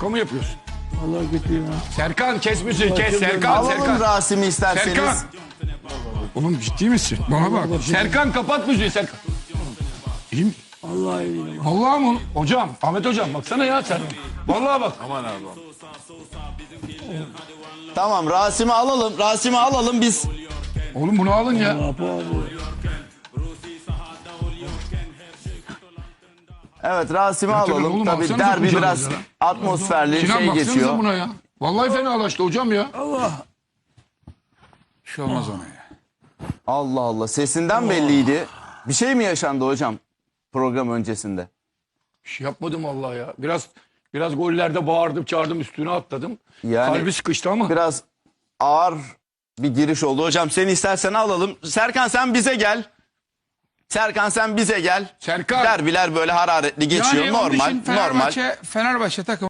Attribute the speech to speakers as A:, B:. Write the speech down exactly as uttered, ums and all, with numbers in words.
A: Şaka mı yapıyorsun?
B: Allah kötü ya.
A: Serkan kes müziği kes Serkan
C: Alalım
A: Serkan.
C: Rasim'i isterseniz.
A: Serkan. Oğlum ciddi misin? Bana bak. Serkan kapat müziği Serkan. İyi mi?
B: Vallahi iyi.
A: Vallahi mı? Hocam, Ahmet hocam baksana ya sen. Vallahi bak.
D: Aman abi.
C: Tamam Rasim'i alalım. Rasim'i alalım biz.
A: Oğlum bunu alın ya.
B: Apo abi.
C: Evet Rasim'i
A: tabii
C: alalım.
A: oğlum,
C: Tabii
A: baksanıza
C: derbi
A: kucağınıza
C: biraz
A: ya.
C: atmosferli
A: Sinan
C: şey
A: baksanıza
C: geçiyor.
A: buna ya. Vallahi fenalaştı hocam ya.
D: Bir şey olmaz ona ya.
C: Allah Allah sesinden belliydi. Bir şey mi yaşandı hocam program öncesinde?
A: Bir şey yapmadım vallahi ya. Biraz biraz gollerde bağırdım, çağırdım, üstüne atladım.
C: Yani
A: Kalbi sıkıştı ama.
C: biraz ağır bir giriş oldu. Hocam seni istersen alalım. Serkan sen bize gel. Serkan sen bize gel.
A: Serkan.
C: Derbiler böyle hararetli geçiyor.
D: Yani onun
C: normal,
D: için
C: normal.
D: Fenerbahçe, Fenerbahçe takım